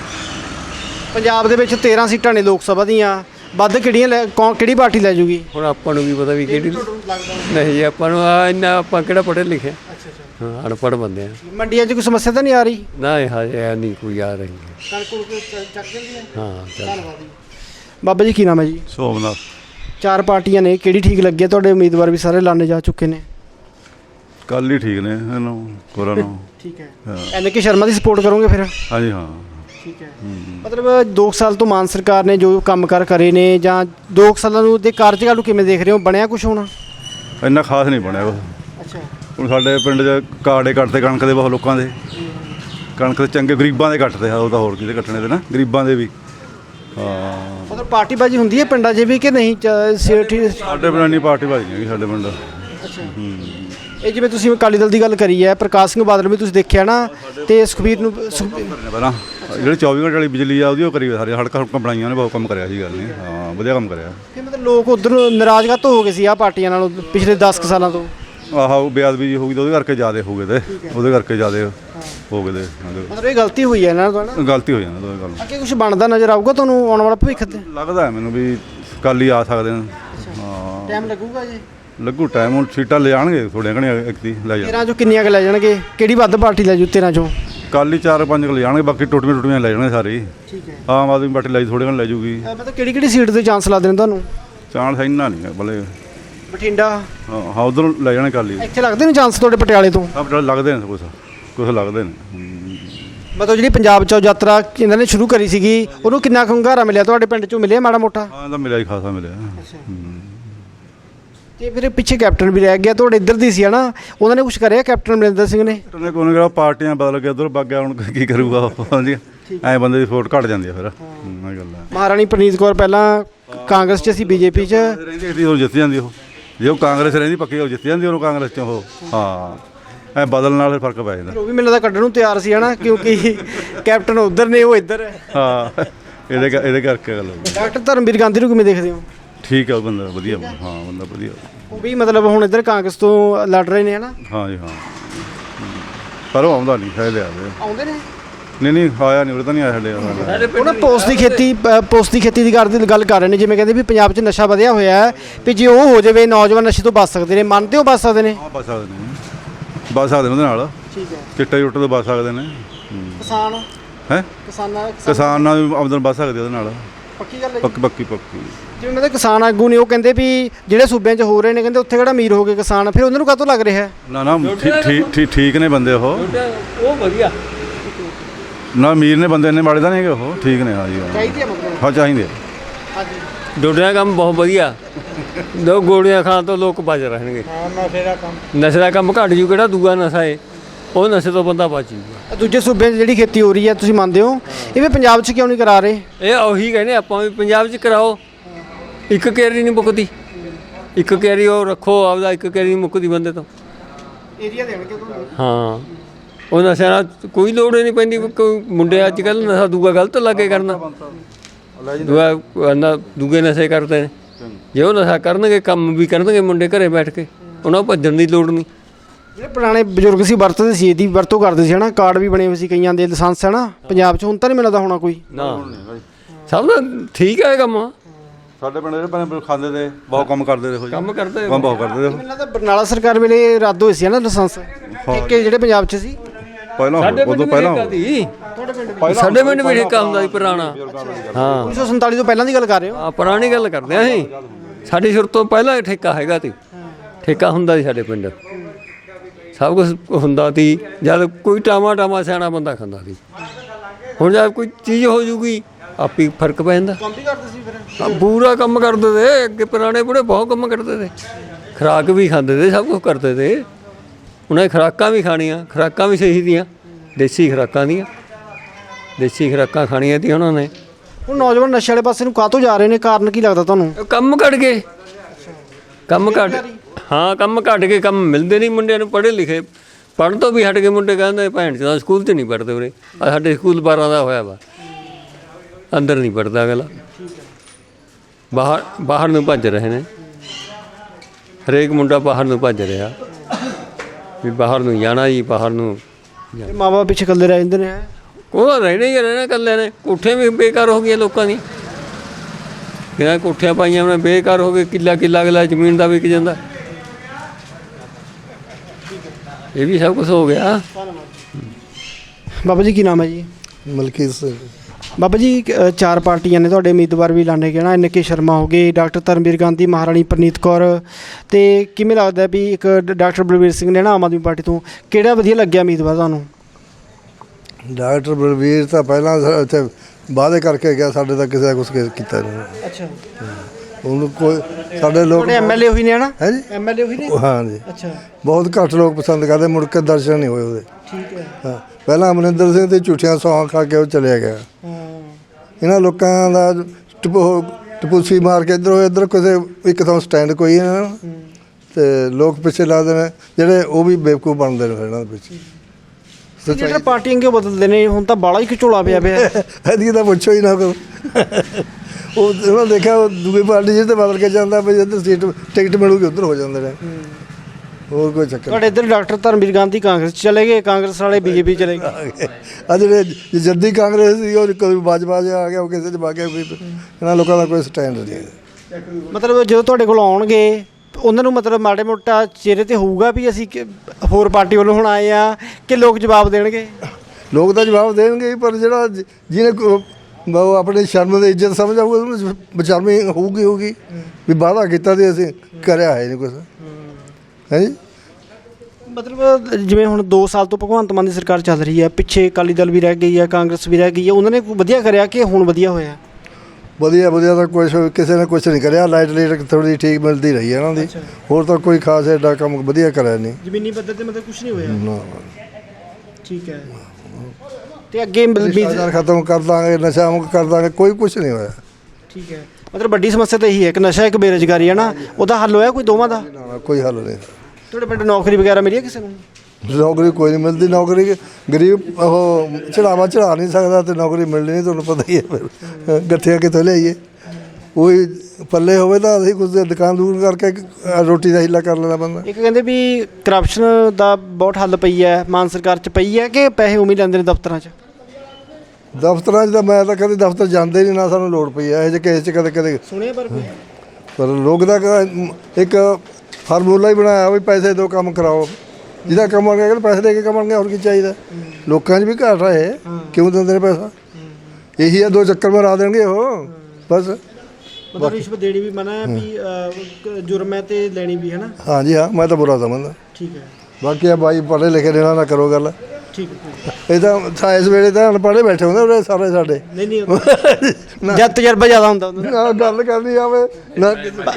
Speaker 3: ਪੰਜਾਬ ਦੇ ਵਿੱਚ 13 ਸੀਟਾਂ ਨੇ ਲੋਕ ਸਭਾ ਦੀਆਂ, ਵੱਧ ਕਿਹੜੀ ਪਾਰਟੀ ਲੈ ਜੂਗੀ?
Speaker 2: ਹੁਣ ਆਪਾਂ ਨੂੰ ਵੀ ਪਤਾ ਵੀ ਕਿਹੜੀ ਨਹੀਂ ਜੀ, ਆਪਾਂ ਨੂੰ ਇੰਨਾ ਆਪਾਂ ਕਿਹੜਾ ਪੜ੍ਹੇ ਲਿਖੇ। ਹਾਂ ਅਨਪੜ੍ਹ ਬੰਦੇ ਆ।
Speaker 3: ਮੰਡੀਆਂ 'ਚ ਕੋਈ ਸਮੱਸਿਆ ਤਾਂ ਨਹੀਂ ਆ ਰਹੀ?
Speaker 2: ਨਾ ਇਹ ਨਹੀਂ ਕੋਈ ਆ ਰਹੀ ਹੈ।
Speaker 3: ਚੱਕ ਜਾਂਦੀ ਹੈ।
Speaker 2: ਹਾਂ ਚੱਲ।
Speaker 3: ਬਾਬਾ ਜੀ ਕੀ ਨਾਮ ਹੈ ਜੀ?
Speaker 4: ਸੋਮਨਾਥ।
Speaker 3: 4 ਪਾਰਟੀਆਂ ਨੇ, ਕਿਹੜੀ ਠੀਕ ਲੱਗੀ ਹੈ? ਤੁਹਾਡੇ ਉਮੀਦਵਾਰ ਵੀ ਸਾਰੇ ਲਾਣੇ ਜਾ ਚੁੱਕੇ ਨੇ।
Speaker 4: ਕੱਲ ਹੀ ਠੀਕ ਨੇ ਇਹਨੂੰ ਕੋਰਾਂ ਨੂੰ।
Speaker 3: ਠੀਕ ਹੈ। ਐਨਕੇ ਸ਼ਰਮਾ ਦੀ ਸਪੋਰਟ ਕਰੋਗੇ ਫਿਰ?
Speaker 4: ਹਾਂਜੀ ਹਾਂ।
Speaker 3: ਠੀਕ ਹੈ। ਮਤਲਬ 2 ਸਾਲ ਤੋਂ ਮਾਨ ਸਰਕਾਰ ਨੇ ਜੋ ਕੰਮਕਾਰ ਕਰੇ ਨੇ, ਜਾਂ 2 ਸਾਲਾਂ ਨੂੰ ਦੇ ਕਾਰਜਕਾਲ ਨੂੰ ਕਿਵੇਂ ਦੇਖ ਰਹੇ ਹੋ? ਬਣਿਆ ਕੁਛ ਹੁਣ?
Speaker 4: ਇੰਨਾ ਖਾਸ ਨਹੀਂ ਬਣਿਆ ਕੁਛ।
Speaker 3: ਅੱਛਾ।
Speaker 4: ਹੁਣ ਸਾਡੇ ਪਿੰਡ 'ਚ ਕਾਰਡੇ ਕੱਟਦੇ ਕਣਕ ਦੇ ਬਹੁਤ ਲੋਕਾਂ ਦੇ। ਕਣਕ ਦੇ ਚੰਗੇ ਗਰੀਬਾਂ ਦੇ ਕੱਟਦੇ ਆ, ਉਹ ਤਾਂ ਹੋਰ ਕਿਤੇ ਕੱਟਣੇ ਦੇ ਨਾ, ਗਰੀਬਾਂ ਦੇ ਵੀ। ਹਾਂ
Speaker 3: ਮਤਲਬ ਪਾਰਟੀਬਾਜ਼ੀ ਹੁੰਦੀ ਹੈ ਪਿੰਡਾਂ 'ਚ ਵੀ ਕਿ ਨਹੀਂ?
Speaker 4: ਸਾਡੇ ਪਿੰਡ ਇੰਨੀ ਪਾਰਟੀ ਭਾਜੀ ਨਹੀਂ ਹੈਗੀ ਸਾਡੇ ਪਿੰਡ।
Speaker 3: ਅੱਛਾ। ਇਹ ਜਿਵੇਂ ਤੁਸੀਂ ਅਕਾਲੀ ਦਲ ਦੀ ਗੱਲ ਕਰੀ ਹੈ, ਪ੍ਰਕਾਸ਼ ਸਿੰਘ ਬਾਦਲ ਵੀ ਤੁਸੀਂ ਦੇਖਿਆ ਨਾ, ਤੇ ਸੁਖਬੀਰ ਨੂੰ
Speaker 4: ਪਹਿਲਾਂ ਜਿਹੜੀ 24 ਘੰਟੇ ਵਾਲੀ ਬਿਜਲੀ ਆ ਉਹਦੀ ਉਹ ਕਰੀ ਸਾਰੇ ਸੜਕਾਂ ਬਣਾਈਆਂ ਨੇ, ਬਹੁਤ ਕੰਮ ਕਰਿਆ ਸੀ। ਗੱਲ ਨਹੀਂ, ਹਾਂ ਵਧੀਆ ਕੰਮ ਕਰਿਆ।
Speaker 3: ਕਿ ਮਤਲਬ ਲੋਕ ਉਧਰ ਨਾਰਾਜ਼ ਕਾਹਤੋਂ ਹੋ ਗਏ ਸੀ ਆਹ ਪਾਰਟੀਆਂ ਨਾਲੋਂ ਪਿਛਲੇ 10 ਸਾਲਾਂ ਤੋਂ?
Speaker 4: ਆਹੋ ਬੇਅਦਬੀ ਜੀ ਹੋ ਗਈ ਤਾਂ ਉਹਦੇ ਕਰਕੇ ਜ਼ਿਆਦਾ ਹੋ ਗਏ ਤੇ, ਉਹਦੇ ਕਰਕੇ ਜ਼ਿਆਦਾ ਹੋ ਗਏ ਤੇ।
Speaker 3: ਮਤਲਬ ਇਹ ਗਲਤੀ ਹੋਈ ਹੈ ਇਹਨਾਂ ਤੋਂ ਨਾ?
Speaker 4: ਗਲਤੀ ਹੋ ਜਾਂਦੀ ਉਹ ਗੱਲ।
Speaker 3: ਅੱਗੇ ਕੁਝ ਬਣਦਾ ਨਜ਼ਰ ਆਊਗਾ ਤੁਹਾਨੂੰ ਆਉਣ ਵਾਲਾ ਭਵਿੱਖ ਤੇ?
Speaker 4: ਲੱਗਦਾ ਹੈ ਮੈਨੂੰ ਵੀ ਕੱਲ ਹੀ ਆ ਸਕਦੇ ਨੇ। ਹਾਂ
Speaker 3: ਟਾਈਮ ਲੱਗੂਗਾ ਜੀ?
Speaker 4: ਲੱਗੂ ਟਾਈਮ। ਹੁਣ ਸੀਟਾਂ ਲੈ ਜਾਣਗੇ ਥੋੜ੍ਹੀਆਂ ਘਣੀਆਂ ਇੱਕ ਦੀ ਲੈ ਜਾਣ।
Speaker 3: 13 ਚੋਂ ਕਿੰਨੀਆਂ ਕੁ ਲੈ ਜਾਣਗੇ? ਕਿਹੜੀ ਵੱਧ ਪਾਰਟੀ ਲੈ ਜੂ 13 ਚੋਂ?
Speaker 4: ਕੱਲ ਹੀ 4-5 ਲੈ ਜਾਣਗੇ, ਬਾਕੀ ਟੁੱਟੀਆਂ ਲੈ ਜਾਣਗੇ ਸਾਰੇ।
Speaker 3: ਠੀਕ ਹੈ।
Speaker 4: ਆਮ ਆਦਮੀ ਪਾਰਟੀ ਲੈ ਥੋੜ੍ਹੇ ਘਣ ਲੈ ਜੂਗੀ।
Speaker 3: ਮਤਲਬ ਕਿਹੜੀ ਸੀਟ ਤੇ ਚਾਂਸ ਲੱਗਦੇ ਨੇ ਤੁਹਾਨੂੰ?
Speaker 4: ਚਾਂਸ ਇੰਨਾ ਨਹੀਂ ਹੈ ਭਲੇ।
Speaker 3: ਬਠਿੰਡਾ?
Speaker 4: ਹਾਂ ਉਧਰ ਲੈ ਜਾਣੇ ਕੱਲ ਹੀ।
Speaker 3: ਇੱਥੇ ਲੱਗਦੇ ਨੇ ਚਾਂਸ ਤੁਹਾਡੇ ਪਟਿਆਲੇ ਤੋਂ?
Speaker 4: ਸਭ ਲੱਗਦੇ ਨੇ, ਕੁਛ ਲੱਗਦੇ ਨੇ।
Speaker 3: ਮਤਲਬ ਜਿਹੜੀ ਪੰਜਾਬ ਚੋਂ ਯਾਤਰਾ ਇਹਨਾਂ ਨੇ ਸ਼ੁਰੂ ਕਰੀ ਸੀਗੀ, ਉਹਨੂੰ ਕਿੰਨਾ ਕੁ ਹੁੰਗਾਰਾ ਮਿਲਿਆ ਤੁਹਾਡੇ ਪਿੰਡ ਚੋਂ? ਮਿਲਿਆ ਮਾੜਾ ਮੋਟਾ?
Speaker 4: ਹਾਂ ਇਹਦਾ ਮਿਲਿਆ ਹੀ, ਖਾਸਾ ਮਿਲਿਆ।
Speaker 3: ਤੇ ਫਿਰ ਪਿੱਛੇ ਕੈਪਟਨ ਵੀ ਰਹਿ ਗਿਆ ਤੁਹਾਡੇ ਇੱਧਰ ਦੀ ਸੀ ਹਨਾ, ਉਹਨਾਂ ਨੇ ਕੁਝ ਕਰਿਆ ਕੈਪਟਨ ਅਮਰਿੰਦਰ ਸਿੰਘ ਨੇ?
Speaker 4: ਉਹਨੇ ਕੋਈ ਕਿਹੜਾ ਪਾਰਟੀਆਂ ਬਦਲ ਕੇ ਉਧਰ ਵਗ ਗਿਆ, ਹੁਣ ਕੀ ਕਰੂਗਾ ਉਹ? ਹਾਂਜੀ ਐ ਬੰਦੇ ਦੀ ਵੋਟ ਘਟ ਜਾਂਦੀ ਆ ਫਿਰ। ਇਹ ਗੱਲ ਹੈ।
Speaker 3: ਮਹਾਰਾਣੀ ਪ੍ਰਨੀਤ ਕੌਰ ਪਹਿਲਾਂ ਕਾਂਗਰਸ 'ਚ ਸੀ, ਬੀਜੇਪੀ 'ਚ
Speaker 4: ਰਹਿੰਦੀ ਸੀ, ਉਹ ਜਿੱਤ ਜਾਂਦੀ। ਉਹ ਜੇ ਉਹ ਕਾਂਗਰਸ ਰਹਿੰਦੀ ਪੱਕੀ, ਉਹ ਜਿੱਤ ਜਾਂਦੀ ਉਹਨੂੰ ਕਾਂਗਰਸ 'ਚ ਉਹ। ਹਾਂ ਐ ਬਦਲਣ ਨਾਲ ਫਿਰ ਫਰਕ ਪੈ ਜਾਂਦਾ।
Speaker 3: ਉਹ ਵੀ ਮੈਨੂੰ ਤਾਂ ਕੱਢਣ ਨੂੰ ਤਿਆਰ ਸੀ ਹਨਾ, ਕਿਉਂਕਿ ਕੈਪਟਨ ਉਧਰ ਨੇ ਉਹ ਇੱਧਰ ਹੈ।
Speaker 4: ਹਾਂ ਇਹਦੇ ਕਰਕੇ ਗੱਲ ਹੋਈ।
Speaker 3: ਡਾਕਟਰ ਧਰਮਵੀਰ ਗਾਂਧੀ ਨੂੰ ਕਿਵੇਂ ਦੇਖਦੇ ਹੋ?
Speaker 4: ਠੀਕ ਹੈ ਉਹ ਬੰਦਾ ਵਧੀਆ। ਹਾਂ ਬੰਦਾ ਵਧੀਆ।
Speaker 3: ਉਹ ਵੀ ਮਤਲਬ ਹੁਣ ਇੱਧਰ ਕਾਂਗਰਸ ਤੋਂ ਲੜ ਰਹੇ ਨੇ ਹਨਾ?
Speaker 4: ਹਾਂ ਜੀ ਹਾਂ। ਪਰ ਉਹ ਆਉਂਦਾ ਨਹੀਂ ਸ਼ਾਇਦ।
Speaker 3: ਆਉਂਦੇ ਨੇ?
Speaker 4: ਨਹੀਂ ਆਇਆ ਨਹੀਂ, ਉਹ ਤਾਂ ਨਹੀਂ ਆਇਆ ਸਾਡੇ।
Speaker 3: ਉਹਨਾਂ ਪੋਸਟ ਦੀ ਖੇਤੀ ਦੀ ਗੱਲ ਕਰ ਰਹੇ ਨੇ, ਜਿਵੇਂ ਕਹਿੰਦੇ ਵੀ ਪੰਜਾਬ 'ਚ ਨਸ਼ਾ ਵਧਿਆ ਹੋਇਆ ਹੈ, ਵੀ ਜੇ ਉਹ ਹੋ ਜਾਵੇ ਨੌਜਵਾਨ ਨਸ਼ੇ ਤੋਂ ਬਚ ਸਕਦੇ ਨੇ। ਮੰਨਦੇ ਹੋ ਬਚ ਸਕਦੇ ਨੇ?
Speaker 4: ਹਾਂ ਬਚ ਸਕਦੇ ਨੇ ਉਹਦੇ ਨਾਲ।
Speaker 3: ਠੀਕ ਹੈ।
Speaker 4: ਚਿੱਟੇ ਚੁੱਟ ਤੋਂ ਬਚ ਸਕਦੇ ਨੇ।
Speaker 3: ਕਿਸਾਨ
Speaker 4: ਹੈ ਕਿਸਾਨ ਨਾਲ ਵੀ ਆਮਦਨ ਬਚ ਸਕਦੀ ਉਹਦੇ ਨਾਲ।
Speaker 3: ਪੱਕੀ ਗੱਲ ਹੈ?
Speaker 4: ਪੱਕੀ।
Speaker 3: ਜਿਵੇਂ ਮਤਲਬ ਕਿਸਾਨ ਆਗੂ ਨੇ ਉਹ ਕਹਿੰਦੇ ਵੀ ਜਿਹੜੇ ਸੂਬਿਆਂ 'ਚ ਹੋ ਰਹੇ ਨੇ, ਕਹਿੰਦੇ ਉੱਥੇ ਕਿਹੜਾ ਅਮੀਰ ਹੋ ਗਏ ਕਿਸਾਨ, ਫਿਰ ਉਹਨਾਂ ਨੂੰ ਕਾਹਤੋਂ ਲੱਗ ਰਿਹਾ?
Speaker 4: ਨਾ ਠੀਕ ਨੇ ਬੰਦੇ ਉਹ
Speaker 2: ਵਧੀਆ
Speaker 4: ਨਾ। ਅਮੀਰ ਨੇ ਬੰਦੇ ਇੰਨੇ ਮਾੜੇ ਤਾਂ ਨਹੀਂ ਹੈਗੇ ਉਹ, ਠੀਕ ਨੇ। ਹਾਂ ਜੀ
Speaker 3: ਚਾਹੀਦੀ ਹੈ ਮਤਲਬ?
Speaker 4: ਹਾਂ ਚਾਹੀਦੇ।
Speaker 3: ਹਾਂਜੀ।
Speaker 2: ਡੋਡਿਆਂ ਕੰਮ ਬਹੁਤ ਵਧੀਆ। 2 ਗੋਲੀਆਂ ਖਾਣ ਤੋਂ ਲੋਕ ਬਚ ਰਹਿਣਗੇ। ਨਸ਼ੇ ਦਾ ਕੰਮ ਘੱਟ ਜੂ, ਕਿਹੜਾ ਦੂਆ ਨਸ਼ਾ ਏ, ਉਹ ਨਸ਼ੇ ਤੋਂ ਬੰਦਾ ਬਚ ਜੂਗਾ।
Speaker 3: ਦੂਜੇ ਸੂਬਿਆਂ 'ਚ ਜਿਹੜੀ ਖੇਤੀ ਹੋ ਰਹੀ ਹੈ ਤੁਸੀਂ ਮੰਨਦੇ ਹੋ, ਇਹ ਵੀ ਪੰਜਾਬ 'ਚ ਕਿਉਂ ਨਹੀਂ ਕਰਾ ਰਹੇ?
Speaker 2: ਇਹ ਉਹੀ ਕਹਿੰਦੇ ਆਪਾਂ ਵੀ ਪੰਜਾਬ 'ਚ ਕਰਾਓ। ਇੱਕ ਕੈਰੀ ਨਹੀਂ ਮੁੱਕਦੀ, ਇੱਕ ਕੈਰੀ ਉਹ ਰੱਖੋ ਆਪਦਾ, ਇੱਕ ਕੈਰੀ ਨਹੀਂ ਮੁੱਕਦੀ ਬੰਦੇ ਤੋਂ।
Speaker 3: ਏਰੀਆ ਦੇਣਗੇ ਤੁਹਾਨੂੰ?
Speaker 2: ਹਾਂ ਉਹ ਨਸ਼ਿਆਂ ਨਾਲ ਕੋਈ ਲੋੜ ਹੀ ਨਹੀਂ ਪੈਂਦੀ। ਕੋਈ ਮੁੰਡੇ ਅੱਜ ਕੱਲ੍ਹ ਨਸ਼ਾ ਦੂਆ ਗਲਤ ਲੱਗੇ ਕਰਨਾ, ਦੂਗੇ ਨਸ਼ੇ ਕਰਦੇ ਨੇ। ਜੇ ਉਹ ਨਸ਼ਾ ਕਰਨਗੇ, ਕੰਮ ਵੀ ਕਰਨਗੇ ਮੁੰਡੇ ਘਰੇ ਬੈਠ ਕੇ, ਉਹਨਾਂ ਨੂੰ ਭੱਜਣ ਦੀ ਲੋੜ ਨਹੀਂ।
Speaker 3: ਜਿਹੜੇ ਪੁਰਾਣੇ ਬਜ਼ੁਰਗ ਸੀ ਵਰਤਦੇ ਸੀ, ਇਹਦੀ ਵਰਤੋਂ ਕਰਦੇ ਸੀ ਹਨਾ, ਕਾਰਡ ਵੀ ਬਣੇ ਹੋਏ ਸੀ ਕਈਆਂ ਦੇ, ਲਾਇਸੈਂਸ ਹੈ ਨਾ ਪੰਜਾਬ 'ਚ। ਹੁਣ ਤਾਂ ਨਹੀਂ ਮਿਲਦਾ ਹੋਣਾ ਕੋਈ?
Speaker 2: ਨਾ ਸਭ ਦਾ ਠੀਕ ਹੈ ਇਹ ਕੰਮ।
Speaker 4: ਸਾਡੇ ਪਿੰਡ ਜਿਹੜੇ ਖਾਂਦੇ ਤੇ ਬਹੁਤ ਕੰਮ ਕਰਦੇ ਰਹੇ।
Speaker 2: ਕੰਮ ਕਰਦੇ
Speaker 4: ਕੰਮ ਬਹੁਤ ਕਰਦੇ ਰਹੇ।
Speaker 3: ਮੈਨੂੰ ਲੱਗਦਾ ਬਰਨਾਲਾ ਸਰਕਾਰ ਵੇਲੇ ਰੱਦ ਹੋਏ ਸੀ ਨਾ ਲਾਇਸੈਂਸ, ਠੇਕੇ ਜਿਹੜੇ ਪੰਜਾਬ 'ਚ ਸੀ।
Speaker 4: ਪਹਿਲਾਂ
Speaker 2: ਸਾਡੇ
Speaker 4: ਉਦੋਂ
Speaker 2: ਪਿੰਡ ਵੀ ਠੇਕਾ ਹੁੰਦਾ ਸੀ ਪੁਰਾਣਾ। ਹਾਂ
Speaker 3: 1947 ਤੋਂ ਪਹਿਲਾਂ ਦੀ ਗੱਲ ਕਰ ਰਹੇ ਹੋ?
Speaker 2: ਹਾਂ ਪੁਰਾਣੀ ਗੱਲ ਕਰਦੇ ਆ ਅਸੀਂ। ਸਾਡੀ ਸ਼ੁਰੂ ਤੋਂ ਪਹਿਲਾਂ ਠੇਕਾ ਹੈਗਾ ਸੀ, ਠੇਕਾ ਹੁੰਦਾ ਸੀ ਸਾਡੇ ਪਿੰਡ। ਸਭ ਕੁਝ ਹੁੰਦਾ ਸੀ, ਜਦ ਕੋਈ ਟਾਮਾ ਸਿਆਣਾ ਬੰਦਾ ਖਾਂਦਾ ਸੀ। ਹੁਣ ਜਦ ਕੋਈ ਚੀਜ਼ ਹੋ ਜੂਗੀ ਆਪੀ ਫਰਕ ਪੈ ਜਾਂਦਾ।
Speaker 3: ਕੰਮ ਵੀ ਕਰਦੇ ਸੀ ਫਿਰ?
Speaker 2: ਆ ਪੂਰਾ ਕੰਮ ਕਰਦੇ ਤੇ ਅੱਗੇ ਪੁਰਾਣੇ ਬੁੜੇ ਬਹੁਤ ਕੰਮ ਕਰਦੇ ਤੇ, ਖੁਰਾਕ ਵੀ ਖਾਂਦੇ ਤੇ, ਸਭ ਕੁਝ ਕਰਦੇ ਤੇ। ਉਹਨਾਂ ਨੇ ਖੁਰਾਕਾਂ ਵੀ ਖਾਣੀਆਂ, ਖੁਰਾਕਾਂ ਵੀ ਸਹੀ ਦੀਆਂ, ਦੇਸੀ ਖੁਰਾਕਾਂ ਦੀਆਂ, ਦੇਸੀ ਖੁਰਾਕਾਂ ਖਾਣੀਆਂ ਤੀ ਉਹਨਾਂ ਨੇ।
Speaker 3: ਹੁਣ ਨੌਜਵਾਨ ਨਸ਼ੇ ਵਾਲੇ ਪਾਸੇ ਨੂੰ ਕਾਹਤੋਂ ਜਾ ਰਹੇ ਨੇ, ਕਾਰਨ ਕੀ ਲੱਗਦਾ ਤੁਹਾਨੂੰ?
Speaker 2: ਕੰਮ ਘੱਟ ਗਏ, ਕੰਮ ਘੱਟ, ਹਾਂ ਕੰਮ ਘੱਟ ਕੇ ਕੰਮ ਮਿਲਦੇ ਨਹੀਂ ਮੁੰਡਿਆਂ ਨੂੰ, ਪੜ੍ਹੇ ਲਿਖੇ ਪੜ੍ਹਨ ਤੋਂ ਵੀ ਹਟ ਕੇ ਮੁੰਡੇ ਕਹਿੰਦੇ ਭੈਣ ਚੋਦ ਸਕੂਲ 'ਚ ਨਹੀਂ ਪੜ੍ਹਦੇ ਉਰੇ। ਸਾਡੇ ਸਕੂਲ 12 ਦਾ ਹੋਇਆ ਵਾ, ਅੰਦਰ ਨਹੀਂ ਪੜ੍ਹਦਾ ਅਗਲਾ, ਬਾਹਰ ਨੂੰ ਭੱਜ ਰਹੇ ਨੇ। ਹਰੇਕ ਮੁੰਡਾ ਬਾਹਰ ਨੂੰ ਭੱਜ ਰਿਹਾ ਵੀ ਬਾਹਰ ਨੂੰ ਜਾਣਾ ਜੀ, ਬਾਹਰ ਨੂੰ।
Speaker 3: ਮਾਂ ਬਾਪ ਪਿੱਛੇ ਇਕੱਲੇ ਰਹਿ ਜਾਂਦੇ ਨੇ।
Speaker 2: ਉਹਦਾ ਰਹਿਣਾ ਹੀ ਰਹਿਣਾ ਇਕੱਲੇ ਨੇ। ਕੋਠੀਆਂ ਵੀ ਬੇਕਾਰ ਹੋ ਗਈਆਂ ਲੋਕਾਂ ਦੀਆਂ, ਕਿਹਨਾਂ ਕੋਠੀਆਂ ਪਾਈਆਂ ਉਹਨੇ ਬੇਕਾਰ ਹੋ ਗਏ, ਕਿੱਲਾ ਅਗਲਾ ਜ਼ਮੀਨ ਦਾ ਵਿਕ ਜਾਂਦਾ। ਇਹ ਵੀ ਸਭ ਕੁਝ ਹੋ ਗਿਆ।
Speaker 3: ਬਾਬਾ ਜੀ ਕੀ ਨਾਮ ਹੈ ਜੀ?
Speaker 5: ਮਲਕੀਤ ਸਿੰਘ।
Speaker 3: ਬਾਬਾ ਜੀ 4 ਪਾਰਟੀਆਂ ਨੇ, ਤੁਹਾਡੇ ਉਮੀਦਵਾਰ ਵੀ ਐਲਾਨੇ ਗਏ ਨਾ, NK ਸ਼ਰਮਾ ਹੋ ਗਏ, ਡਾਕਟਰ ਧਰਮਵੀਰ ਗਾਂਧੀ, ਮਹਾਰਾਣੀ ਪ੍ਰਨੀਤ ਕੌਰ, ਤੇ ਕਿਵੇਂ ਲੱਗਦਾ ਵੀ ਇੱਕ ਡਾਕਟਰ ਬਲਵੀਰ ਸਿੰਘ ਨੇ ਨਾ ਆਮ ਆਦਮੀ ਪਾਰਟੀ ਤੋਂ, ਕਿਹੜਾ ਵਧੀਆ ਲੱਗਿਆ ਉਮੀਦਵਾਰ ਤੁਹਾਨੂੰ?
Speaker 5: ਡਾਕਟਰ ਬਲਵੀਰ ਤਾਂ ਪਹਿਲਾਂ ਇੱਥੇ ਵਾਅਦੇ ਕਰਕੇ ਗਿਆ, ਸਾਡੇ ਤਾਂ ਕਿਸੇ ਦਾ ਕੁਛ ਕੀਤਾ ਨਹੀਂ।
Speaker 3: ਅੱਛਾ,
Speaker 5: ਉਹਨੂੰ ਕੋਈ ਸਾਡੇ ਲੋਕ
Speaker 3: ਤੁਹਾਡੇ MLA ਉਹੀ ਨੇ ਨਾ?
Speaker 5: ਹੈ ਜੀ,
Speaker 3: MLA ਉਹੀ ਨੇ।
Speaker 5: ਹਾਂ ਜੀ,
Speaker 3: ਅੱਛਾ,
Speaker 5: ਬਹੁਤ ਘੱਟ ਲੋਕ ਪਸੰਦ ਕਰਦੇ, ਮੁੜ ਕੇ ਦਰਸ਼ਨ ਨਹੀਂ ਹੋਏ ਉਹਦੇ।
Speaker 3: ਠੀਕ ਹੈ।
Speaker 5: ਹਾਂ, ਪਹਿਲਾਂ ਅਮਰਿੰਦਰ ਸਿੰਘ ਤੇ ਝੂਠੀਆਂ ਸੌਹਾਂ ਖਾ ਕੇ ਉਹ ਚਲਿਆ ਗਿਆ।
Speaker 3: ਹਾਂ,
Speaker 5: ਇਹਨਾਂ ਲੋਕਾਂ ਦਾ ਟਪੂਸੀ ਮਾਰ ਕੇ ਇੱਧਰ ਕਿਸੇ ਇੱਕ ਥਾਂ ਸਟੈਂਡ ਕੋਈ ਇਹਨਾਂ ਨੂੰ, ਤੇ ਲੋਕ ਪਿੱਛੇ ਲੱਗਦੇ ਨੇ, ਜਿਹੜੇ ਉਹ ਵੀ ਬੇਵਕੂਫ ਬਣਦੇ ਨੇ ਫਿਰ ਇਹਨਾਂ ਦੇ ਪਿੱਛੇ।
Speaker 3: ਜਿਹੜੇ ਪਾਰਟੀਆਂ ਕਿਉਂ ਬਦਲਦੇ ਨੇ, ਹੁਣ ਤਾਂ ਬਾਲਾ ਹੀ ਘਚੋਲਾ ਪਿਆ
Speaker 5: ਐਦੀ ਤਾਂ ਪੁੱਛੋ ਹੀ ਨਾ ਕਰੋ। ਉਹਨਾਂ ਦੇਖਿਆ ਉਹ ਦੂਜੀ ਪਾਰਟੀ ਜਿੱਥੇ ਬਦਲ ਕੇ ਜਾਂਦਾ ਵੀ ਇੱਧਰ ਸੀਟ ਟਿਕਟ ਮਿਲੂਗੀ ਉੱਧਰ ਹੋ ਜਾਂਦੇ ਨੇ, ਹੋਰ ਕੋਈ ਚੱਕਰ।
Speaker 3: ਤੁਹਾਡੇ ਇੱਧਰ ਡਾਕਟਰ ਧਰਮਵੀਰ ਗਾਂਧੀ ਕਾਂਗਰਸ ਚਲੇ ਗਏ, ਕਾਂਗਰਸ ਵਾਲੇ BJP ਚਲੇ ਗਏ।
Speaker 5: ਆ ਜਿਹੜੇ ਜੱਦੀ ਕਾਂਗਰਸ ਸੀ ਉਹ ਕੋਈ ਬਾਜਵਾ ਆ ਗਿਆ, ਉਹ ਕਿਸੇ 'ਚ ਵਗ ਗਿਆ, ਕੋਈ ਇਹਨਾਂ ਲੋਕਾਂ ਦਾ ਕੋਈ ਸਟੈਂਡ ਨਹੀਂ।
Speaker 3: ਮਤਲਬ ਜਦੋਂ ਤੁਹਾਡੇ ਕੋਲ ਆਉਣਗੇ ਉਹਨਾਂ ਨੂੰ ਮਤਲਬ ਮਾੜੇ ਮੋਟਾ ਚਿਹਰੇ ਤੇ ਹੋਊਗਾ ਵੀ ਅਸੀਂ ਹੋਰ ਪਾਰਟੀ ਵੱਲੋਂ ਹੁਣ ਆਏ ਆ, ਕਿ ਲੋਕ ਜਵਾਬ ਦੇਣਗੇ?
Speaker 5: ਲੋਕ ਤਾਂ ਜਵਾਬ ਦੇਣਗੇ, ਪਰ ਜਿਹੜਾ ਜਿਹਨੇ ਉਹ ਆਪਣੀ ਸ਼ਰਮ ਦੀ ਇੱਜ਼ਤ ਸਮਝ ਆਊਗਾ ਉਹਨੂੰ ਬੇਸ਼ਰਮੀ ਹੋਊਗੀ ਵੀ ਵਾਅਦਾ ਕੀਤਾ ਤੇ ਅਸੀਂ ਕਰਿਆ ਹੈ ਨਹੀਂ ਕੁਛ, ਹੈ ਜੀ।
Speaker 3: ਮਤਲਬ ਜਿਵੇਂ ਹੁਣ 2 ਸਾਲ ਤੋਂ ਭਗਵੰਤ ਮਾਨ ਦੀ ਸਰਕਾਰ ਚੱਲ ਰਹੀ ਹੈ, ਪਿੱਛੇ ਅਕਾਲੀ ਦਲ ਵੀ ਰਹਿ ਗਈ ਹੈ, ਕਾਂਗਰਸ ਵੀ ਰਹਿ ਗਈ ਹੈ, ਉਹਨਾਂ ਨੇ ਵਧੀਆ ਕਰਿਆ ਕਿ ਹੁਣ ਵਧੀਆ ਹੋਇਆ?
Speaker 5: ਵਧੀਆ ਤਾਂ ਕੁਛ ਕਿਸੇ ਨੇ ਕੁਛ ਨਹੀਂ ਕਰਿਆ, ਲਾਈਟ ਥੋੜ੍ਹੀ ਠੀਕ ਮਿਲਦੀ ਰਹੀ ਹੈ ਇਹਨਾਂ ਦੀ, ਹੋਰ ਤਾਂ ਕੋਈ ਖਾਸ ਐਡਾ ਕੰਮ ਵਧੀਆ ਕਰਿਆ ਨਹੀਂ।
Speaker 3: ਜ਼ਮੀਨੀ ਪੱਧਰ ਤੇ ਮਤਲਬ ਕੁਝ ਨਹੀਂ ਹੋਇਆ?
Speaker 5: ਨਾ,
Speaker 3: ਠੀਕ ਹੈ। ਤੇ ਅੱਗੇ
Speaker 5: ਭ੍ਰਿਸ਼ਟਾਚਾਰ ਖਤਮ ਕਰ ਦਾਂਗੇ, ਨਸ਼ਾ ਮੁਕਤ ਕਰ ਦਾਂਗੇ, ਕੋਈ ਕੁਛ ਨਹੀਂ ਹੋਇਆ।
Speaker 3: ਠੀਕ ਹੈ, ਮਤਲਬ ਵੱਡੀ ਸਮੱਸਿਆ ਤਾਂ ਇਹੀ ਹੈ ਕਿ ਨਸ਼ਾ ਇੱਕ ਬੇਰੁਜ਼ਗਾਰੀ ਹੈ ਨਾ, ਉਹਦਾ ਹੱਲ ਹੋਇਆ ਕੋਈ ਦੋਵਾਂ ਦਾ?
Speaker 5: ਨਾ, ਕੋਈ ਹੱਲ ਨਹੀਂ।
Speaker 3: ਤੁਹਾਡੇ ਪਿੰਡ ਨੌਕਰੀ ਵਗੈਰਾ ਮਿਲੀ ਹੈ ਕਿਸੇ ਨੂੰ?
Speaker 5: ਨੌਕਰੀ ਕੋਈ ਨਹੀਂ ਮਿਲਦੀ, ਨੌਕਰੀ ਗਰੀਬ ਉਹ ਚੜਾ ਨਹੀਂ ਸਕਦਾ, ਤੇ ਨੌਕਰੀ ਮਿਲਣੀ ਨਹੀਂ, ਤੁਹਾਨੂੰ ਪਤਾ ਹੀ ਹੈ। ਫਿਰ ਗੱਠੀਆਂ ਕਿੱਥੋਂ ਲਿਆਈਏ? ਉਹੀ ਪੱਲੇ ਹੋਵੇ ਤਾਂ ਅਸੀਂ ਕੁਝ ਦੁਕਾਨ ਦੂਰ ਕਰਕੇ ਰੋਟੀ ਦਾ ਹੀਲਾ ਕਰ ਲੈਣਾ ਬੰਦਾ।
Speaker 3: ਇੱਕ ਕਹਿੰਦੇ ਵੀ ਕਰਪਸ਼ਨ ਦਾ ਬਹੁਤ ਹੱਲ ਪਈ ਹੈ, ਮਾਨ ਸਰਕਾਰ 'ਚ ਪਈ ਹੈ, ਕਿ ਪੈਸੇ ਉਮੀ ਲੈਂਦੇ ਨੇ ਦਫ਼ਤਰਾਂ 'ਚ?
Speaker 5: ਦਫ਼ਤਰਾਂ 'ਚ ਤਾਂ ਮੈਂ ਤਾਂ ਕਦੇ ਦਫ਼ਤਰ ਜਾਂਦੇ ਨਹੀਂ, ਨਾ ਸਾਨੂੰ ਲੋੜ ਪਈ ਹੈ ਇਹੋ ਜਿਹੇ ਕੇਸ 'ਚ ਕਦੇ
Speaker 3: ਸੁਣਿਆ।
Speaker 5: ਪਰ ਲੋਕ ਦਾ ਇੱਕ ਫਾਰਮੂਲਾ ਹੀ ਬਣਾਇਆ ਵੀ ਪੈਸੇ ਦਿਓ ਕੰਮ ਕਰਾਓ, ਜਿਹਦਾ ਕੰਮ ਆਉਣਗੇ ਅਗਰ ਪੈਸੇ ਦੇ ਕੇ ਕਮਾਉਣਗੇ, ਹੋਰ ਕੀ ਚਾਹੀਦਾ। ਲੋਕਾਂ 'ਚ ਵੀ ਘਾਟ ਹੈ, ਕਿਉਂ ਦਿੰਦੇ ਨੇ ਪੈਸਾ? ਇਹੀ ਆ 2 ਚੱਕਰ ਮਰਾ ਦੇਣਗੇ ਉਹ ਬਸ।
Speaker 3: ਮਤਲਬ ਰਿਸ਼ਵਤ ਦੇਣੀ ਵੀ ਮਨਾ ਹੈ, ਵੀ ਜੁਰਮ ਹੈ ਤੇ ਲੈਣੀ ਵੀ, ਹੈ ਨਾ?
Speaker 5: ਹਾਂਜੀ ਹਾਂ, ਮੈਂ ਤਾਂ ਬੁਰਾ ਸਮਝਦਾ।
Speaker 3: ਠੀਕ ਹੈ।
Speaker 5: ਬਾਕੀ ਆ ਬਾਈ ਪੜ੍ਹੇ ਲਿਖੇ ਨੇ, ਇਹਨਾਂ ਨਾਲ ਕਰੋ ਗੱਲ।
Speaker 3: ਠੀਕ ਹੈ।
Speaker 5: ਇਹ ਤਾਂ ਇਸ ਵੇਲੇ ਤਾਂ ਅਨਪੜ੍ਹੇ ਬੈਠੇ ਹੁੰਦੇ ਉਰੇ ਸਾਰੇ ਸਾਡੇ।
Speaker 3: ਨਹੀਂ ਜਦ ਤਜਰਬਾ ਜ਼ਿਆਦਾ ਹੁੰਦਾ ਉਹਨਾਂ
Speaker 5: ਨਾ ਗੱਲ ਕਰਨੀ ਆਵੇ ਨਾ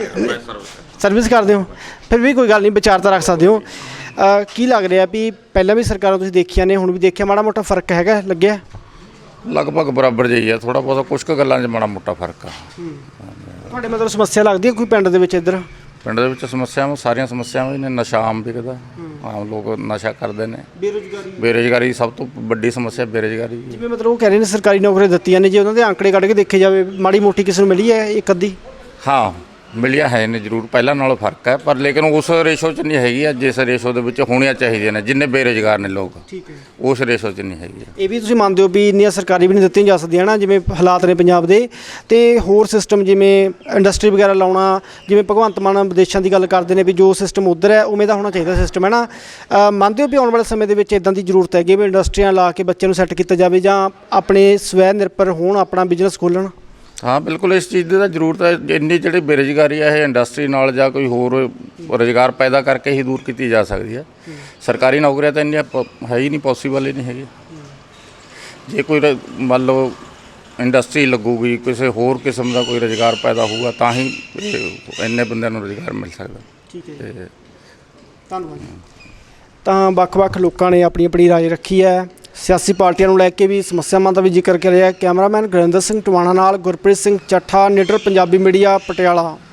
Speaker 3: ਸਰਵਿਸ ਕਰਦੇ ਹੋ, ਫਿਰ ਵੀ ਕੋਈ ਗੱਲ ਨਹੀਂ, ਵਿਚਾਰ ਤਾਂ ਰੱਖ ਸਕਦੇ ਹੋ। ਕੀ ਲੱਗ ਰਿਹਾ ਵੀ ਪਹਿਲਾਂ ਵੀ ਸਰਕਾਰਾਂ ਤੁਸੀਂ ਦੇਖੀਆਂ ਨੇ, ਹੁਣ ਵੀ ਦੇਖਿਆ, ਮਾੜਾ ਮੋਟਾ ਫਰਕ ਹੈਗਾ ਲੱਗਿਆ?
Speaker 7: ਲਗਭਗ ਬਰਾਬਰ ਜਿਹੀ ਆ, ਥੋੜਾ ਬਹੁਤਾ ਕੁਝ ਕੁ ਗੱਲਾਂ 'ਚ ਮਾੜਾ ਮੋਟਾ ਫਰਕ ਆ।
Speaker 3: ਤੁਹਾਡੇ ਮਤਲਬ ਸਮੱਸਿਆ ਲੱਗਦੀ ਹੈ ਕੋਈ ਪਿੰਡ ਦੇ ਵਿੱਚ? ਇੱਧਰ
Speaker 7: ਪਿੰਡ ਦੇ ਵਿੱਚ ਸਮੱਸਿਆਵਾਂ ਸਾਰੀਆਂ ਸਮੱਸਿਆਵਾਂ ਹੀ ਨੇ। ਨਸ਼ਾ ਆਮ ਵਿਕਦਾ, ਆਮ ਲੋਕ ਨਸ਼ਾ ਕਰਦੇ ਨੇ। ਬੇਰੁਜ਼ਗਾਰੀ ਸਭ ਤੋਂ ਵੱਡੀ ਸਮੱਸਿਆ ਬੇਰੁਜ਼ਗਾਰੀ।
Speaker 3: ਜਿਵੇਂ ਮਤਲਬ ਉਹ ਕਹਿ ਰਹੇ ਨੇ ਸਰਕਾਰੀ ਨੌਕਰੀਆਂ ਦਿੱਤੀਆਂ ਨੇ, ਜੇ ਉਹਨਾਂ ਦੇ ਆંકੜੇ ਕੱਢ ਕੇ ਦੇਖੇ ਜਾਵੇ, ਮਾੜੀ ਮੋਟੀ ਕਿਸੇ ਨੂੰ ਮਿਲੀ ਹੈ ਇੱਕ ਅੱਧੀ?
Speaker 7: ਹਾਂ ਮਿਲਿਆ ਹੈ ਨੇ ਜ਼ਰੂਰ, ਪਹਿਲਾਂ ਨਾਲੋਂ ਫਰਕ ਹੈ, ਪਰ ਲੇਕਿਨ ਉਸ ਰੇਸ਼ੋ 'ਚ ਨਹੀਂ ਹੈਗੀ ਆ ਜਿਸ ਰੇਸ਼ੋ ਦੇ ਵਿੱਚ ਹੋਣੀਆਂ ਚਾਹੀਦੀਆਂ ਨੇ। ਜਿੰਨੇ ਬੇਰੁਜ਼ਗਾਰ ਨੇ ਲੋਕ,
Speaker 3: ਠੀਕ ਹੈ,
Speaker 7: ਉਸ ਰੇਸ਼ੋ 'ਚ ਨਹੀਂ ਹੈਗੀ।
Speaker 3: ਇਹ ਵੀ ਤੁਸੀਂ ਮੰਨਦੇ ਹੋ ਵੀ ਇੰਨੀਆਂ ਸਰਕਾਰੀ ਵੀ ਨਹੀਂ ਦਿੱਤੀਆਂ ਜਾ ਸਕਦੀਆਂ ਨਾ, ਜਿਵੇਂ ਹਾਲਾਤ ਨੇ ਪੰਜਾਬ ਦੇ? ਤੇ ਹੋਰ ਸਿਸਟਮ ਜਿਵੇਂ ਇੰਡਸਟਰੀ ਵਗੈਰਾ ਲਾਉਣਾ, ਜਿਵੇਂ ਭਗਵੰਤ ਮਾਨ ਵਿਦੇਸ਼ਾਂ ਦੀ ਗੱਲ ਕਰਦੇ ਨੇ ਵੀ ਜੋ ਸਿਸਟਮ ਉੱਧਰ ਹੈ ਉਵੇਂ ਦਾ ਹੋਣਾ ਚਾਹੀਦਾ ਸਿਸਟਮ, ਹੈ ਨਾ? ਮੰਨਦੇ ਹੋ ਵੀ ਆਉਣ ਵਾਲੇ ਸਮੇਂ ਦੇ ਵਿੱਚ ਇੱਦਾਂ ਦੀ ਜ਼ਰੂਰਤ ਹੈਗੀ ਵੀ ਇੰਡਸਟਰੀਆਂ ਲਾ ਕੇ ਬੱਚਿਆਂ ਨੂੰ ਸੈੱਟ ਕੀਤਾ ਜਾਵੇ, ਜਾਂ ਆਪਣੇ ਸਵੈ ਨਿਰਭਰ ਹੋਣ, ਆਪਣਾ ਬਿਜ਼ਨਸ ਖੋਲ੍ਹਣ?
Speaker 7: ਹਾਂ ਬਿਲਕੁਲ, ਇਸ ਚੀਜ਼ ਦੀ ਤਾਂ ਜ਼ਰੂਰਤ ਹੈ। ਇੰਨੀ ਜਿਹੜੀ ਬੇਰੁਜ਼ਗਾਰੀ ਹੈ ਇਹ ਇੰਡਸਟਰੀ ਨਾਲ ਜਾਂ ਕੋਈ ਹੋਰ ਰੁਜ਼ਗਾਰ ਪੈਦਾ ਕਰਕੇ ਹੀ ਦੂਰ ਕੀਤੀ ਜਾ ਸਕਦੀ ਹੈ। ਸਰਕਾਰੀ ਨੌਕਰੀਆਂ ਤਾਂ ਇੰਨੀਆਂ ਹੈ ਹੀ ਨਹੀਂ, ਪੋਸੀਬਲ ਹੀ ਨਹੀਂ ਹੈਗੀ। ਜੇ ਕੋਈ ਮੰਨ ਲਓ ਇੰਡਸਟਰੀ ਲੱਗੂਗੀ, ਕਿਸੇ ਹੋਰ ਕਿਸਮ ਦਾ ਕੋਈ ਰੁਜ਼ਗਾਰ ਪੈਦਾ ਹੋਊਗਾ ਤਾਂ ਹੀ ਇੰਨੇ ਬੰਦਿਆਂ ਨੂੰ ਰੁਜ਼ਗਾਰ ਮਿਲ ਸਕਦਾ।
Speaker 3: ਠੀਕ ਹੈ ਜੀ, ਧੰਨਵਾਦ। ਤਾਂ ਵੱਖ-ਵੱਖ ਲੋਕਾਂ ਨੇ ਆਪਣੀ ਆਪਣੀ ਰਾਏ ਰੱਖੀ ਹੈ। ਸਿਆਸੀ ਪਾਰਟੀਆਂ ਨੂੰ ਲੈ ਕੇ ਵੀ ਸਮੱਸਿਆਵਾਂ ਦਾ ਵੀ ਜ਼ਿਕਰ ਕਰਿਆ। ਕੈਮਰਾਮੈਨ ਗੁਰਿੰਦਰ ਸਿੰਘ ਟਵਾਣਾ ਨਾਲ ਗੁਰਪ੍ਰੀਤ ਸਿੰਘ ਚੱਠਾ, ਨਿਡਰ ਪੰਜਾਬੀ ਮੀਡੀਆ, ਪਟਿਆਲਾ।